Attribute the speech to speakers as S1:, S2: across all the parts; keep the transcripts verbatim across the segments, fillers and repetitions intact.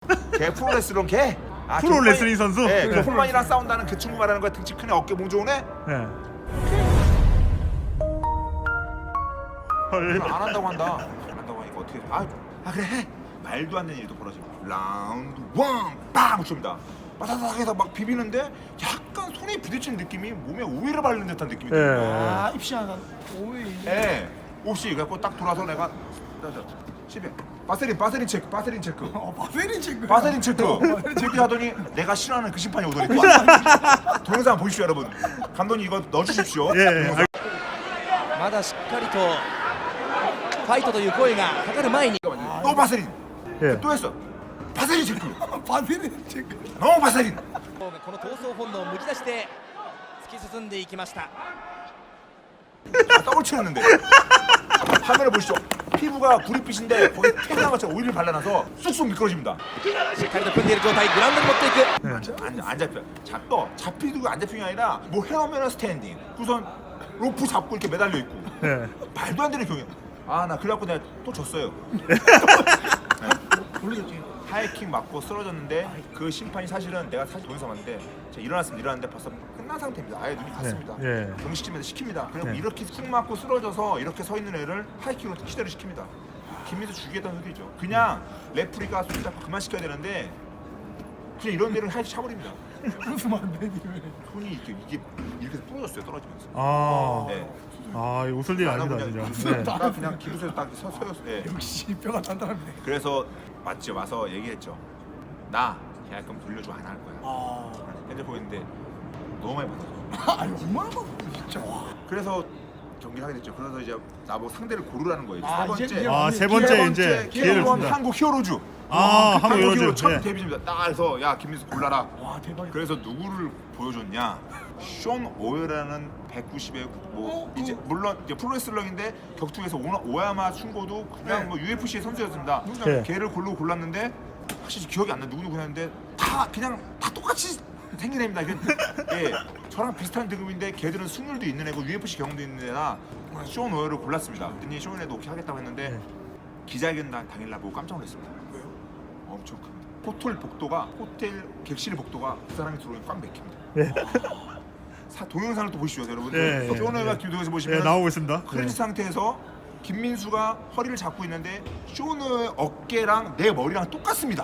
S1: 걔 프로레슬러 걔. 아,
S2: 프로 레슬링 선수?
S1: 네, 그
S2: 네.
S1: 홈런이랑 싸운다는 그 친구 말하는 거야. 등치 크네, 어깨 몸 좋으네.
S2: 네. 헐.
S1: 안 한다고 한다. 안 한다고 하니까 어떻게? 아, 아 그래 해. 말도 안 되는 일도 벌어지고. 라운드 원, 빵 칩니다. 바다닥 해서 막 비비는데 약간 손에 부딪히는 느낌이 몸에 오일을 바르는 듯한 느낌이 들어요.
S2: 네.
S3: 아 입시하다 오이.
S1: 예. 혹시 그래갖고 딱 돌아서 내가 십에 바세린 바세린 체크 바세린 체크
S3: 어 바세린 친구.
S1: 바세린 체크 체크 하더니 내가 싫어하는 그 심판이 오더니 동영상 보십시오 여러분. 감독님 이거 넣어주십시오.
S2: 예.
S1: 동영상.
S4: まだしっかりとファイトという声がかかる前に
S1: 또 바세린
S2: 예.
S1: 또 했어 바세린 체크
S3: 바세린 친구.
S1: 너무 바세린
S4: この闘争本能をむき出しで突き進んでいきました
S1: 아, 떡을 치웠는데 화면을 보시죠. 피부가 구릿빛인데 거기 태양한 것처럼 오일을 발라놔서 쑥쑥 미끄러집니다.
S4: しっかりと組んでいる状態グラウンドに持っていく
S1: 안, 안 잡혀. 잡도 잡히고 안 잡히는 게 아니라 뭐 헤어면은 스탠딩. 우선 로프 잡고 이렇게 매달려 있고.
S2: 네.
S1: 말도 안 되는 경우야. 아 나 그래갖고 내가 또 졌어요.
S3: 모르겠지.
S1: 하이킥 맞고 쓰러졌는데 그 심판이 사실은 내가 사실 동영상 봤는데 제가 일어났습니다. 일어났는데 벌써 끝난 상태입니다. 아예 눈이 갔습니다.
S2: 예.
S1: 경시팀에서 시킵니다. 그리고
S2: 네.
S1: 이렇게 쑥 맞고 쓰러져서 이렇게 서 있는 애를 하이킥으로 시대를 시킵니다. 김민수 죽이겠다는 소리죠. 그냥 레프리가 손 잡고 그만 시켜야 되는데 그냥 이런 데를 하이킥 차버립니다.
S3: 웃으면 안 되니 왜?
S1: 손이 이렇게 이게 이렇게 해서 부러졌어요. 떨어지면서.
S2: 아.
S1: 네.
S2: 아, 이거 웃을 일이
S1: 나는
S2: 아닙니다,
S1: 그냥
S2: 진짜. 네.
S1: 나 그냥 기부서에서 딱 서, 서였어요. 네.
S3: 역시 뼈가 단단하네.
S1: 그래서 맞죠. 와서 얘기했죠. 나 계약금 돌려줘 안 할 거야.
S3: 아.
S1: 핸드폰 있는데 너무 많이 받아서.
S3: 아니 얼마나 받아 진짜 와.
S1: 그래서 경기를 하게 됐죠. 그래서 이제 나보고 상대를 고르라는 거예요.
S3: 아,
S1: 세 번째.
S3: 이제- 이제
S2: 아, 세
S1: 세
S2: 번째
S1: 번째
S2: 이제 기회를
S1: K 원
S2: 줍니다.
S1: 한국 히어로즈.
S2: 아,
S1: 그
S2: 한국 히어로즈.
S1: 첫
S2: 예.
S1: 데뷔입니다. 딱 해서 야 김민수 골라라.
S3: 와 대박이다.
S1: 그래서 누구를 보여줬냐? 숀 오어라는 백구십에 뭐
S3: 어,
S1: 이제
S3: 그-
S1: 물론 이제 프로레슬러인데 격투에서 오나, 오야마 춘고도 그냥
S3: 네.
S1: 뭐 유에프씨의 선수였습니다.
S2: 네.
S1: 걔를 고르고 골랐는데 사실 기억이 안 나. 누구 누구 했는데 다 그냥 다 똑같이 생긴 애입니다. 이게, 예, 저랑 비슷한 등급인데 걔들은 승률도 있는 애고 유에프씨 경험도 있는 애라 숀 오어를 골랐습니다. 그랬더니 숀 오어도 오케이 하겠다고 했는데
S2: 네.
S1: 기자회견 당- 당일날 보고 깜짝 놀랐습니다.
S3: 왜요?
S1: 엄청 큽니다. 호텔 복도가 호텔 객실 복도가 그 사람이 들어오면 꽉 막힙니다.
S2: 네.
S1: 사, 동영상을 또 보시죠, 여러분.
S2: 네, 네,
S1: 쇼너가
S2: 네.
S1: 김동에서 보시면
S2: 예, 나오고 있습니다.
S1: 크런치
S2: 네.
S1: 상태에서 김민수가 허리를 잡고 있는데 쇼너의 어깨랑 내 머리랑 똑같습니다.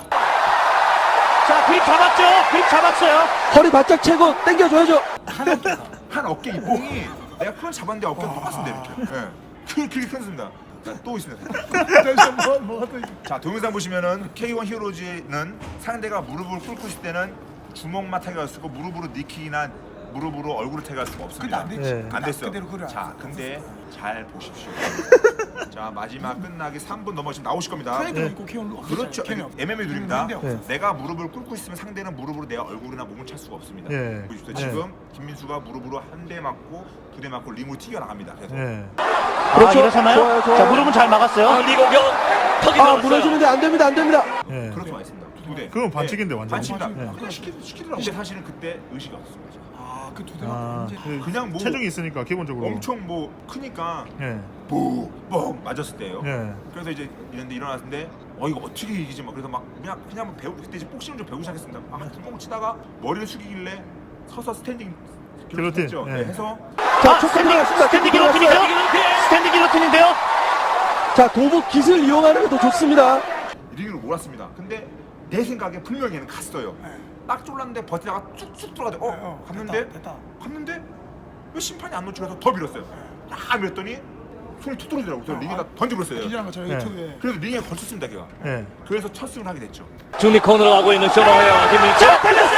S5: 자, 그립 잡았죠? 그립 잡았어요.
S4: 허리 바짝 채고 당겨줘야죠
S1: 한 어깨 이뽕이 내가 크런치 잡았는데 어깨가 똑같습니다 이렇게. 예. 그 그게 큰습니다. 또 있습니다.
S3: 잠시만 뭐 뭐가 또.
S1: 자 동영상 보시면은 케이 원 히어로즈는 상대가 무릎을 꿇고 있을 때는 주먹만 타격할 수 있고 무릎으로 니킥이나 무릎으로 얼굴을 타격할 수가
S3: 근데
S1: 없습니다.
S3: 안 됐지.
S2: 네.
S1: 안 됐어.
S3: 그대로 그래.
S1: 자 근데 잘 보십시오. 자 마지막 끝나기 삼 분 넘어 지금 나오실 겁니다.
S3: 카이도 있고 케어로.
S1: 그렇죠. 엠엠에이 룰입니다.
S3: 네.
S1: 내가 무릎을 꿇고 있으면 상대는 무릎으로 내 얼굴이나 몸을 찰 수가 없습니다.
S2: 예.
S1: 보십시오.
S2: 네.
S1: 지금 김민수가 무릎으로 한 대 맞고 두 대 맞고 링으로 튀겨 나갑니다. 그래서
S2: 네.
S5: 아, 일어서나요? 자, 무릎은 잘 막았어요.
S4: 미공격 턱이
S6: 아 무너지는데 안 됩니다 안 됩니다.
S2: 네.
S1: 그렇게 와 있습니다. 두 대.
S2: 그건 반칙인데, 완전.
S1: 반칙입니다.
S2: 네.
S1: 그냥 시키, 시키더라고. 근데 사실은 그때 의식이 없었습니다.
S3: 아그 두
S2: 아,
S3: 대가
S2: 그
S1: 그냥 뭐
S2: 체중이 있으니까 기본적으로.
S1: 엄청 뭐 크니까
S2: 예.
S1: 뽕 맞았을 때예요.
S2: 예.
S1: 그래서 이제 이런데 일어났는데 어 이거 어떻게 이기지 막 그래서 막 그냥 그냥 배우 그때 이제 복싱을 좀 배우기 시작했습니다. 아 구멍을 치다가 머리를 숙이길래 서서 스탠딩
S2: 길로틴,
S1: 했죠.
S2: 예.
S1: 네, 해서
S5: 자, 스탠딩, 스탠딩 기로틴이죠? 스탠딩 기로틴인데요?
S6: 자 도복 깃을 이용하는 게 더 좋습니다.
S1: 링으로 몰았습니다. 근데 내 생각에 분명히 얘는 갔어요.
S3: 네.
S1: 딱 쫄랐는데 버티다가 쭉쭉 들어가죠. 어,
S3: 네, 어,
S1: 갔는데
S3: 됐다, 됐다.
S1: 갔는데 왜 심판이 안 놓치고서 더 밀었어요. 딱 밀었더니 손이 툭 떨어지더라고요. 그래서
S3: 어,
S1: 링에다
S3: 아,
S1: 던져버렸어요.
S3: 기절한 것처럼
S2: 네.
S3: 유튜브에.
S1: 그래서 링에 걸쳤습니다, 걔가.
S2: 예.
S1: 그래서 첫 승을 하게 됐죠.
S4: 중립 코너로 가고 있는 쇼너웨어 김민수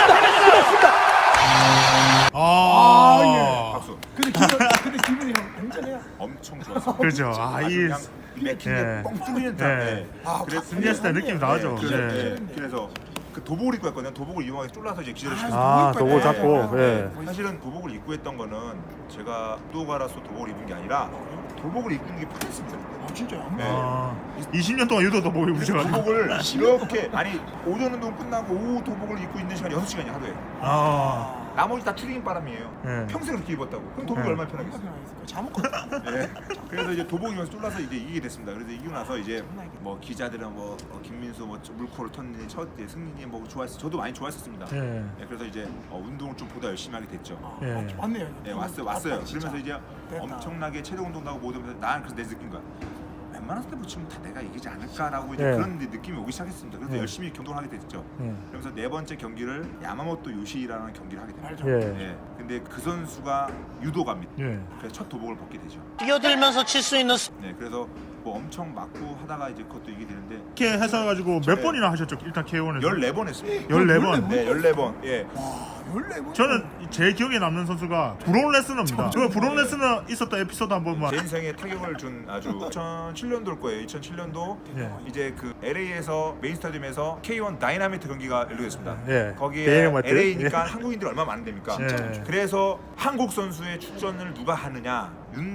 S2: 아.
S1: 박수.
S3: 근데 기분 근데 기분이 형 굉장해요.
S1: 엄청 좋았어요.
S2: 그죠. 아,
S1: 아주
S2: 이
S1: 그냥 맥힌데
S2: 예.
S1: 뻥 뚫리는 듯.
S2: 예.
S1: 네.
S3: 아,
S1: 그래서
S2: 승리했을 때 느낌이 나죠.
S1: 그래서,
S2: 예.
S1: 네. 그래서 그 도복을 입고 했거든요. 도복을 이용하게 쫄라서 이제 기절을 시켰어요.
S2: 아,
S3: 도복
S2: 도복
S3: 입고
S2: 잡고.
S3: 했다.
S2: 예.
S1: 사실은 도복을 입고 했던 거는 제가 도가라서 도복을 입은 게 아니라 도복을 입는 게 편했습니다.
S3: 아 진짜요?
S1: 네.
S2: 아. 이십 년 동안 유도 도복을 입으셔가지고.
S1: 도복을 이렇게 아니 오전 운동 끝나고 오후 도복을 입고 있는 시간이 여섯 시간이 하루에.
S2: 아.
S1: 나머지 다 트레이닝 바람이에요.
S2: 네.
S1: 평생 그렇게 입었다고. 그럼 도복이
S2: 네.
S1: 얼마나 편하겠어?
S3: 잘못 걷다.
S1: 네. 그래서 이제 도복이면서 뚫려서 이제 이기게 됐습니다. 그래서 이기고 나서 이제 뭐 기자들은 뭐 어, 김민수 뭐 물코를 텄니 첫 이제 승리니 뭐 좋아했어. 저도 많이 좋아했었습니다.
S2: 예.
S1: 네, 그래서 이제 어, 운동을 좀 보다 열심히 하게 됐죠.
S3: 아,
S2: 예.
S3: 맞네요.
S1: 네, 왔어요, 왔어요.
S3: 아빠 진짜.
S1: 그러면서 이제
S3: 됐다.
S1: 엄청나게 체력 운동도 하고 모든 면서 난 그래서 내 느낀 거야. 웬만한 스텝 붙이면 다 내가 이기지 않을까라고 이제
S2: 예.
S1: 그런 이제 느낌이 오기 시작했습니다. 그래서
S2: 예.
S1: 열심히 경동을 하게 됐죠.
S2: 예.
S1: 그러면서 네 번째 경기를 야마모토 요시라는 경기를 하게 됩니다.
S3: 알죠.
S2: 예.
S1: 예. 근데 그 선수가 유도가입니다.
S2: 예.
S1: 그래서 첫 도복을 벗게 되죠.
S5: 뛰어들면서 칠 수 있는
S1: 네, 그래서 뭐 엄청 맞고 하다가 이제 그것도 이게 되는데
S2: 이렇게 해서 가지고 몇 번이나 하셨죠? 일단 케이원에서
S1: 열네 번 했습니다.
S2: 열네 번.
S1: 네, 열네 번. 예.
S3: 열네 번.
S2: 저는 제 기억에 남는 선수가 브론 레스너입니다. 그 브론 레스너 있었던 에피소드 한 번만.
S1: 제 인생에 타격을 준 아주 이천칠 년도일 거예요. 이천칠 년도
S2: 예.
S1: 이제 그 엘에이에서 메인 스타디움에서 케이원 다이나마이트 경기가 열리겠습니다.
S2: 예.
S1: 거기에
S2: 다이나마이트?
S1: 엘에이니까
S2: 예.
S1: 한국인들이 얼마나 많은데입니까?
S2: 예.
S1: 그래서 한국 선수의 출전을 누가 하느냐?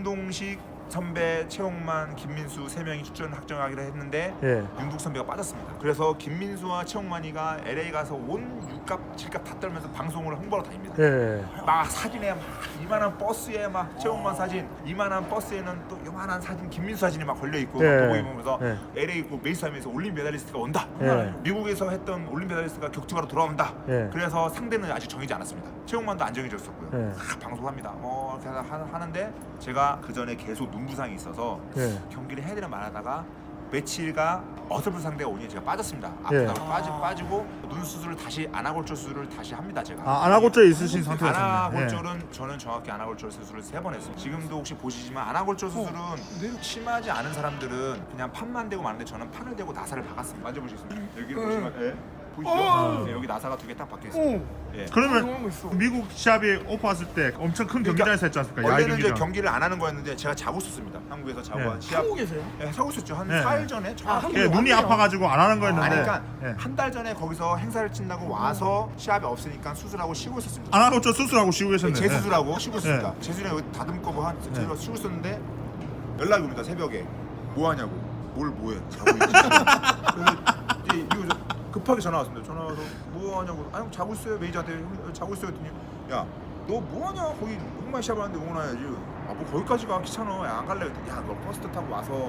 S1: 윤동식 선배, 최홍만, 김민수 세 명이 출전을 확정하기로 했는데
S2: 예.
S1: 윤국 선배가 빠졌습니다. 그래서 김민수와 최홍만이가 엘에이 가서 온 육갑, 칠갑 다 떨면서 방송을 홍보하러 다닙니다.
S2: 예.
S1: 막 사진에 막 이만한 버스에 막 최홍만 사진, 이만한 버스에는 또 이만한 사진 김민수 사진이 막 걸려 있고
S2: 예.
S1: 도보 입으면서
S2: 예.
S1: 엘에이 그 메이스타임에서 올림 메달리스트가 온다.
S2: 예.
S1: 미국에서 했던 올림 메달리스트가 격투가로 돌아온다.
S2: 예.
S1: 그래서 상대는 아직 정해지 않았습니다. 최홍만도 안 정해졌었고요.
S2: 예.
S1: 막 방송합니다. 뭐 이렇게 하- 하는데 제가 그 전에 계속 눈부상이 있어서
S2: 예.
S1: 경기를 해야 되나 말하다가 며칠가 어설픈 상대가 오니 제가 빠졌습니다.
S2: 예.
S1: 아프다고 빠지, 빠지고 눈 수술을 다시 아나골절 수술을 다시 합니다. 제가.
S2: 아, 아나골절 있으신 상태였었네.
S1: 아나골절은 저는 정확히 아나골절 수술을 세 번 했습니다. 지금도 혹시 보시지만 아나골절 수술은 심하지 않은 사람들은 그냥 판만 대고 마는데 저는 판을 대고 나사를 박았습니다. 만져보시겠습니다. 여기를
S3: 네.
S1: 보시면 예. 보이시죠?
S3: 어.
S1: 네, 여기 나사가 두 개 딱 박혀 있습니다.
S3: 오.
S1: 예.
S2: 그러면
S3: 운동하고 있어.
S2: 미국 시합이 오프 왔을 때 엄청 큰
S1: 그러니까
S2: 경기장에서 했지 않습니까? 야외
S1: 원래는 이제
S2: 경기장.
S1: 경기를 안 하는 거였는데 제가 자고 있었습니다. 한국에서 자고
S2: 네.
S1: 시합
S3: 한국에서요?
S1: 예, 자고 있었죠. 한
S2: 네.
S1: 사 일 전에 정확히
S2: 예, 눈이 아파가지고 안 하는 거였는데.
S1: 아니 그러니까
S2: 예.
S1: 한 달 전에 거기서 행사를 친다고 와서 시합이 없으니까 수술하고 쉬고 있었습니다.
S2: 아나골절 수술하고 쉬고 계셨네.
S1: 재수술하고 쉬고 있습니다.
S2: 네.
S1: 재수술에 여기 다듬고 뭐 한 재수술 쉬고 있었는데 연락이 옵니다. 새벽에 뭐 하냐고. 뭘 뭐해? 자고 있지. 그래서 이제 이거 저 급하게 전화 왔습니다. 전화 와서 뭐 하냐고. 아 형 자고 있어요. 매니저한테 형, 자고 있어요. 했더니 야 너 뭐 하냐? 거기 홍만 시합 하는데 응원해야지. 아 뭐 거기까지 가 귀찮아. 야 안 갈래. 했더니 야너 버스 타고 와서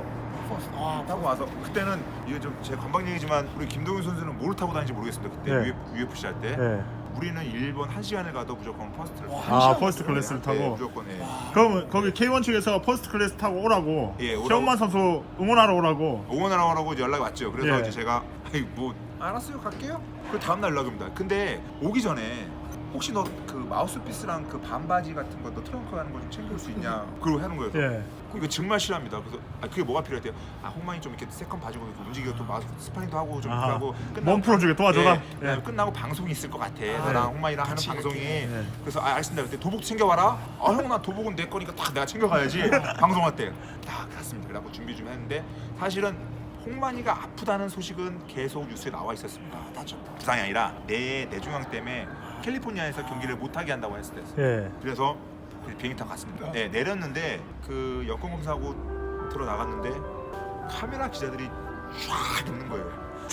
S3: 아,
S1: 타고 와서 그때는 이게 좀 제 관방 얘기지만 우리 김동윤 선수는 뭘 타고 다니는지 모르겠습니다. 그때
S2: 네.
S1: 유에프씨 할 때.
S2: 예.
S1: 우리는 일본 한 시간을 가도 무조건 퍼스트를
S3: 와,
S1: 타요.
S2: 아,
S3: 시간
S2: 퍼스트
S3: 됐어요?
S2: 클래스를
S1: 네,
S2: 타고.
S1: 무조건 예.
S2: 그럼 거기 케이원 측에서 퍼스트 클래스 타고 오라고.
S1: 예, 오라고.
S2: 최홍만 선수 응원하러 오라고.
S1: 응원하러 오라고 이제 연락이 왔죠. 그래서
S2: 예.
S1: 이제 제가 아이 뭐 알았어요 갈게요. 그 다음 날 연락이 옵니다. 근데 오기 전에 혹시 너 그 마우스피스랑 그 반바지 같은 거 너 트렁크 가는 거 좀 챙길 수 있냐? 그러고 하는 거예요.
S2: 예.
S1: 그 이거 정말 싫어합니다. 그래서 아 그게 뭐가 필요했대요? 아 홍만이 좀 이렇게 세컨 봐주고 이렇게 움직이고 또 마우스 스파링도 하고 좀
S2: 아하.
S1: 하고
S2: 몸 풀어주게 도와줘라.
S1: 예, 그다음에
S2: 예.
S1: 끝나고 방송이 있을 것 같아.
S2: 아,
S1: 너랑
S2: 예.
S1: 홍만이랑 하는
S3: 같이
S1: 방송이.
S2: 예.
S1: 그래서 아 알겠습니다. 그때 도복 챙겨와라. 아 형 나 도복은 내 거니까 딱 내가 챙겨가야지. 방송할 때. 딱 갔습니다. 그래갖고 준비 좀 했는데 사실은 홍만이가 아프다는 소식은 계속 뉴스에 나와 있었습니다. 다쳤다. 부상이 아니라 내 뇌종양 때문에 캘리포니아에서 경기를 못하게 한다고 했을 때.
S2: 예.
S1: 그래서 비행기 타고 갔습니다. 네, 내렸는데 그 여권 검사하고 들어 나갔는데 카메라 기자들이 쫙 있는 거예요.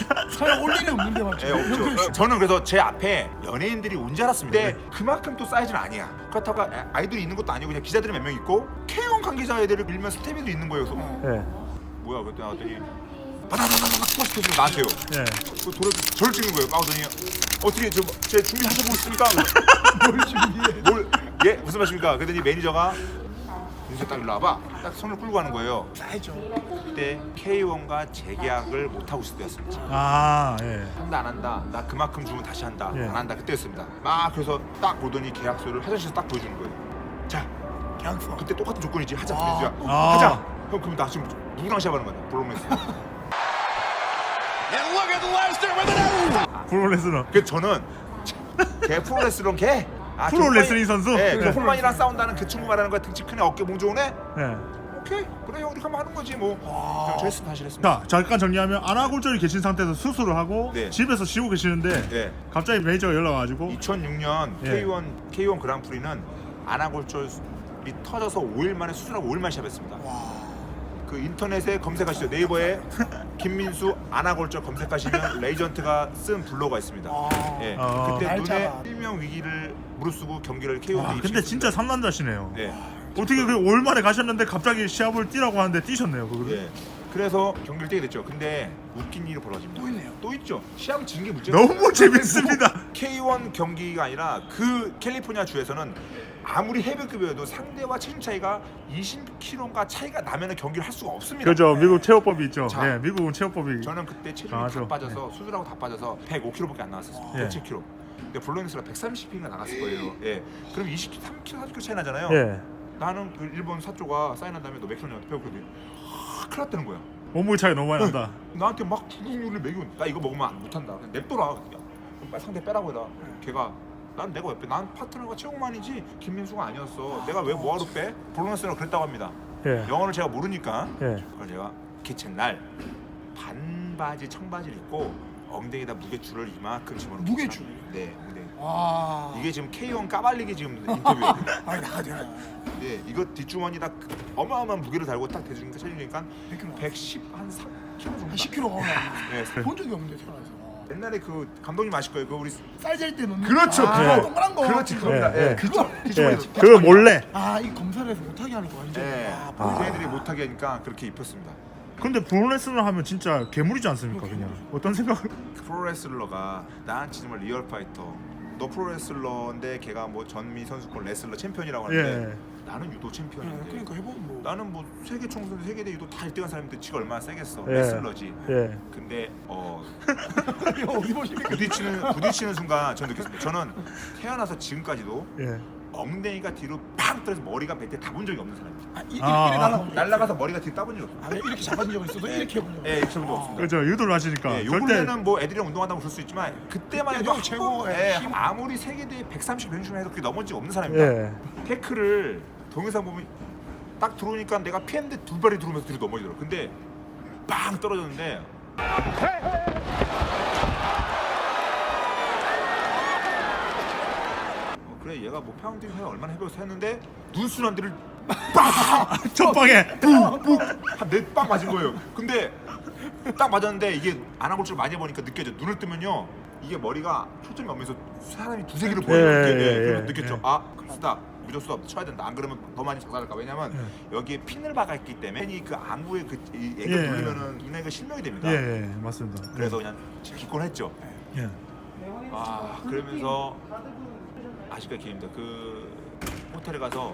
S3: 촬영 올 일이 없는데 맞죠?
S1: 예, 없죠. 어, 저는 그래서 제 앞에 연예인들이 온 줄 알았습니다. 근데 그만큼 또 사이즈는 아니야. 그렇다고 아- 아이돌이 있는 것도 아니고 그냥 기자들이 몇 명 있고 케이원 관계자 애들을 밀면 스태미도 있는 거예요. 그래서
S2: 예.
S1: 뭐야 그때 나왔더니 바다다다다 포스트 나한테요.
S2: 예.
S1: 그 돌을 저를 찍는 거예요. 까오더니 어떻게 저제 준비하셔보고 있습니까?
S3: 뭘 준비해?
S1: 뭘 예 무슨 말씀입니까? 그랬더니 매니저가 윤수 딱 일로 와봐. 딱 손을 끌고 가는 거예요.
S3: 알죠.
S1: 그때 케이원과 재계약을 못 하고 있을 때였습니다.
S2: 아, 예.
S1: 한다 안 한다. 나 그만큼 주면 다시 한다.
S2: 예.
S1: 안 한다. 그때였습니다. 막 그래서 딱 보더니 계약서를 화장실에서 딱 보여주는 거예요. 자
S3: 계약서.
S1: 그때 똑같은 조건이지. 하자.
S3: 아.
S1: 민수야.
S2: 아.
S1: 하자. 형 그럼 나 지금 누구랑 시합하는 거야? 브로맨스.
S2: 브론 레스너.
S1: 그래서 저는 걔 프로레슬러 걔. 아,
S2: 프로
S1: 홍만이-
S2: 레슬링 선수?
S1: 네,
S2: 네.
S1: 그래서 홍만이랑 싸운다는 그 친구 말하는 거야. 등치 크네, 어깨 몽 좋으네.
S2: 예.
S1: 오케이, 그래 형 우리 한번 하는 거지 뭐. 저 했습니다, 사실 했습니다.
S2: 자, 잠깐 정리하면 아나골절이 계신 상태에서 수술을 하고
S1: 네.
S2: 집에서 쉬고 계시는데
S1: 네.
S2: 갑자기 매니저가 연락 와가지고
S1: 이천육 년
S2: 예.
S1: 케이원 케이원 그랑프리는 아나골절이 터져서 오 일 만에 수술하고 오 일 만에 시합했습니다. 그 인터넷에 검색하시죠. 네이버에 김민수 아나골절 검색하시면 레이전트가 쓴 블로그가 있습니다.
S3: 아.
S1: 예.
S2: 아.
S1: 그때 눈에
S3: 날짜가.
S1: 실명 위기를 무릅쓰고 경기를 케이오에
S2: 와, 근데 진짜 상남자시네요.
S1: 네.
S2: 어떻게 그 올만에 가셨는데 갑자기 시합을 뛰라고 하는데 뛰셨네요. 그거를.
S1: 예. 그래서 경기를 뛰게 됐죠. 근데 웃긴 일이 벌어집니다.
S3: 또 있네요.
S1: 또 있죠. 시합 진 게 문제가
S2: 너무 재밌습니다.
S1: 케이원 경기가 아니라 그 캘리포니아 주에서는 아무리 해외급이어도 상대와 체중 차이가 이십 킬로그램가 차이가 나면 경기를 할 수가 없습니다.
S2: 그죠. 미국 체육법이 있죠.
S1: 자,
S2: 예, 미국은 체육법이.
S1: 저는 그때 체중이
S2: 강하죠.
S1: 다 빠져서 수술하고 다 빠져서 백오 킬로그램밖에 안 나왔었어요.
S2: 예.
S1: 백칠 킬로그램. 근데 블로니스가 백삼십 킬로그램가 나갔을 거예요. 예. 그럼 이십 킬로그램, 삼 킬로그램, 사 킬로그램 차이 나잖아요.
S2: 예.
S1: 나는 그 일본 사조가 사인한 다음에 너 몇 킬로냐 배웠거든. 하, 큰일 났다는 거야.
S2: 몸무게 차이 너무 많이 난다.
S1: 나한테 막 부동률을 매겨. 나 이거 먹으면 안 못한다. 그냥 냅둬라. 야, 그럼 빨리 상대 빼라고 해라. 걔가 난 내가 왜 빼? 난 파트너가 최홍만이지 김민수가 아니었어. 내가 왜 뭐하러 빼? 블로니스가 그랬다고 합니다.
S2: 예.
S1: 영어를 제가 모르니까
S2: 예.
S1: 그걸 제가 기챈 날 반바지 청바지를 입고 엉덩이에다 무게줄을 이만큼 집어넣고
S3: 무게줄?
S1: 네 엉덩이.
S3: 와.
S1: 이게 지금 케이원 까발리기 지금 인터뷰예요.
S3: 아니 나가잖아.
S1: 네 이거 뒷주머니에다 그 어마어마한 무게를 달고 딱 대주니까 체중이니까
S3: 몇 킬로?
S1: 백십 한 삼 킬로그램 정도.
S3: 한 십 킬로가 올라.
S1: 네.
S3: 본 적이 없는데 태어나서.
S1: 옛날에 그 감독님 아실 거예요. 그 우리
S3: 쌀잘때 넣는.
S1: 그렇죠,
S3: 아,
S2: 그거.
S3: 동그란 거.
S1: 그렇지
S3: 그거.
S1: 그겁니다.
S2: 예,
S1: 예,
S2: 예.
S1: 그쪽
S2: 예.
S1: 뒷주머니.
S2: 그거 몰래.
S3: 아, 이 검사를 해서 못하게 하는 거 완전.
S1: 예.
S3: 아,
S1: 아,
S3: 보이네.
S1: 애들이 못하게 하니까 그렇게 입혔습니다.
S2: 근데 브로레슬러 하면 진짜 괴물이지 않습니까? 그냥 어떤 생각을?
S1: 프로레슬러가 나한테 정말 리얼 파이터. 너 프로레슬러인데 걔가 뭐 전미 선수권 레슬러 챔피언이라고 하는데
S2: 예.
S1: 나는 유도
S3: 네,
S1: 챔피언인데
S3: 그러니까 해보면 뭐.
S1: 나는 뭐 세계 총선 세계대 유도 다 일 등한 사람인데 지가 얼마나 세겠어.
S2: 예.
S1: 레슬러지.
S2: 예.
S1: 근데 어
S3: 이거 어디 보십니까?
S1: 부딪히는 부딪히는 순간 저는 느꼈습니다. 저는 태어나서 지금까지도
S2: 예.
S1: 엉덩이가 뒤로 팍 떨어서 머리가 뱉에 따본 적이 없는 사람이에요.
S3: 아, 이, 이렇게
S2: 아, 아.
S3: 날아가면.
S1: 날라가서 머리가 뒤로 따본 적이 없어요.
S3: 아, 왜 이렇게 잡아준 적이 있어도 이렇게 해본 적.
S1: 예, 이렇게 해본 적 없습니다.
S2: 그죠. 유도를 하시니까.
S1: 예, 요
S2: 절대.
S1: 근래는 뭐 애들이랑 운동한다고 그럴 수 있지만 그때만 해도
S3: 그때도
S1: 한
S3: 최고,
S1: 번,
S3: 예,
S1: 예,
S3: 힘.
S1: 아무리 세계대 백삼십 변신을 해도 그게 넘어진 적 없는 사람입니다.
S2: 예.
S1: 태클을 동영상 보면 딱 들어오니까 내가 피했는데 두 발이 들어오면서 뒤로 넘어지더라고. 근데 빵 떨어졌는데 어, 그래 얘가 뭐 파운딩 해 얼마나 해보서 했는데 눈순환들을
S2: 첫 방에.
S1: 한네빵 맞은 거예요. 근데 딱 맞았는데 이게 안아골절 많이 해보니까 느껴져. 눈을 뜨면요 이게 머리가 초점이 오면서 사람이 두세 개를 보여요.
S2: 예,
S1: 이렇게.
S2: 예,
S1: 예, 그래서
S2: 예,
S1: 느꼈죠.
S2: 예.
S1: 아 스탑 무조건 스톱 쳐야 된다. 안 그러면 더 많이 작살날까. 왜냐면 여기에 핀을 박았기 때문에 핀이 그 안구에 그 이- 애가
S2: 예.
S1: 누르면은 눈에 그 실명이 됩니다.
S2: 예, 예, 맞습니다.
S1: 그래서 그냥 기권했죠.
S2: 예.
S1: 아 그러면서 아직까지 기회입니다. 그 호텔에 가서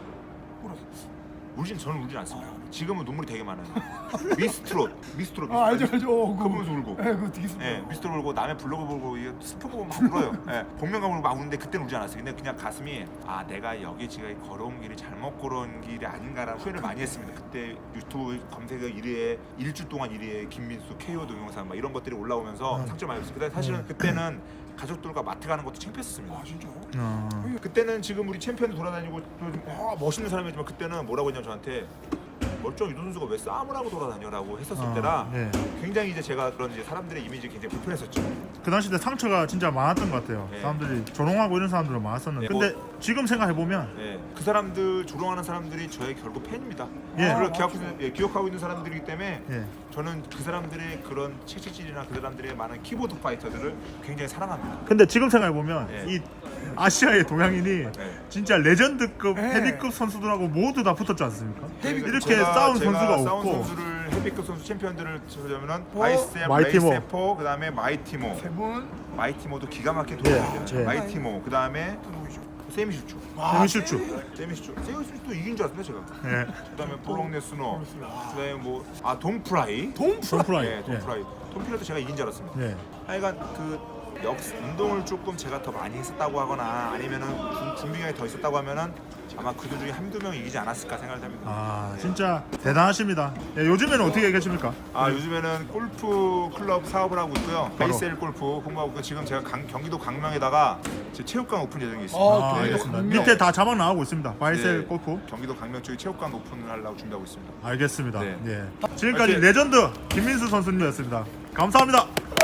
S1: 울진 저는 울진 않습니다. 지금은 눈물이 되게 많아요. 미스트롯, 미스트롯.
S3: 아, 알죠, 알죠. 어,
S1: 그거 보면서 울고.
S3: 예, 그거 되게 슬퍼.
S1: 예, 미스트롯 울고 남의 블로그 보고 이게 슬픈 거 보면 막 울어요. 예, 복면가물 막 우는데 그때는 울지 않았어요. 근데 그냥 가슴이 아 내가 여기 지금 걸어온 길이 잘못 걸어온 길이 아닌가라는 후회를 많이 했습니다. 그때 유튜브 검색어 일 위에 일주 동안 일 위에 김민수 케이오 동영상 막 이런 것들이 올라오면서 상처 많이 받았어요. 근데 사실은 그때는 가족들과 마트 가는 것도 창피했었습니다.
S3: 아, 진짜요?
S2: 어.
S1: 그때는 지금 우리 챔피언 돌아다니고 좀 아, 멋있는 사람이지만 그때는 뭐라고 했냐면 저한테 멀쩡한 유도 선수가 왜 싸움을 하고 돌아다녀라고 했었을
S2: 아,
S1: 때라
S2: 예.
S1: 굉장히 이제 제가 그런 이제 사람들의 이미지 굉장히 불편했었죠.
S2: 그 당시 때 상처가 진짜 많았던 것 같아요.
S1: 예.
S2: 사람들이 조롱하고 이런 사람들은 많았었는데.
S1: 예,
S2: 근데 지금 생각해 보면
S1: 네, 그 사람들 조롱하는 사람들이 저의 결국 팬입니다.
S2: 예.
S1: 저를 기억하고, 있는- 예, 기억하고 있는 사람들이기 때문에
S2: 예.
S1: 저는 그 사람들의 그런 채찍질이나 그 사람들의 많은 키보드 파이터들을 굉장히 사랑합니다.
S2: 근데 지금 생각해 보면
S1: 예.
S2: 이 아시아의 동양인이
S1: 네.
S2: 진짜 레전드급
S3: 예.
S2: 헤비급 선수들하고 모두 다 붙었지 않습니까?
S1: 그러니까
S2: 이렇게
S1: 제가-
S2: 싸운
S1: 제가
S2: 선수가
S1: 싸운
S2: 없고.
S1: 선수를 헤비급 선수 챔피언들을 찾으려면은
S3: 어?
S1: 바이셉,
S2: 마이티모.
S1: 레이세포, 그다음에 마이티모.
S3: 세 분.
S1: 마이티모도 기가 막히게
S2: 예,
S1: 돌아다니죠.
S2: 예.
S1: 마이티모, 그다음에
S3: 또 누구죠?
S1: 세미슈추.
S2: 세미슈추.
S1: 세미슈추. 세미슈추도 이긴 줄 알았는데 제가.
S2: 예.
S1: 그다음에 브록네스너.
S3: 아.
S1: 그다음에 뭐아 동프라이.
S3: 동프라.
S2: 톰프라이.
S1: 네, 동프라이. 동프라이도 제가 이긴 줄 알았습니다.
S2: 예.
S1: 하여간 그 역 운동을 조금 제가 더 많이 했었다고 하거나 아니면은 중- 준비가 더 있었다고 하면은 아마 그들 중에 한두 명 이기지 않았을까 생각을 합니다.
S2: 아 진짜 대단하십니다. 예, 요즘에는 어떻게 계십니까?
S1: 아 요즘에는 골프 클럽 사업을 하고 있고요.
S2: 바로.
S1: 베이셀 골프 홍보하고 있고 지금 제가 강, 경기도 강명에다가 제 체육관 오픈 예정이 있습니다.
S3: 아,
S2: 아,
S3: 네.
S2: 알겠습니다.
S3: 강명.
S2: 밑에 다 자막 나오고 있습니다. 바이셀
S1: 네,
S2: 골프.
S1: 경기도 강명 쪽에 체육관 오픈을 하려고 준비하고 있습니다.
S2: 알겠습니다.
S1: 네.
S2: 예. 지금까지
S1: 화이팅!
S2: 레전드 김민수 선수님이었습니다. 감사합니다.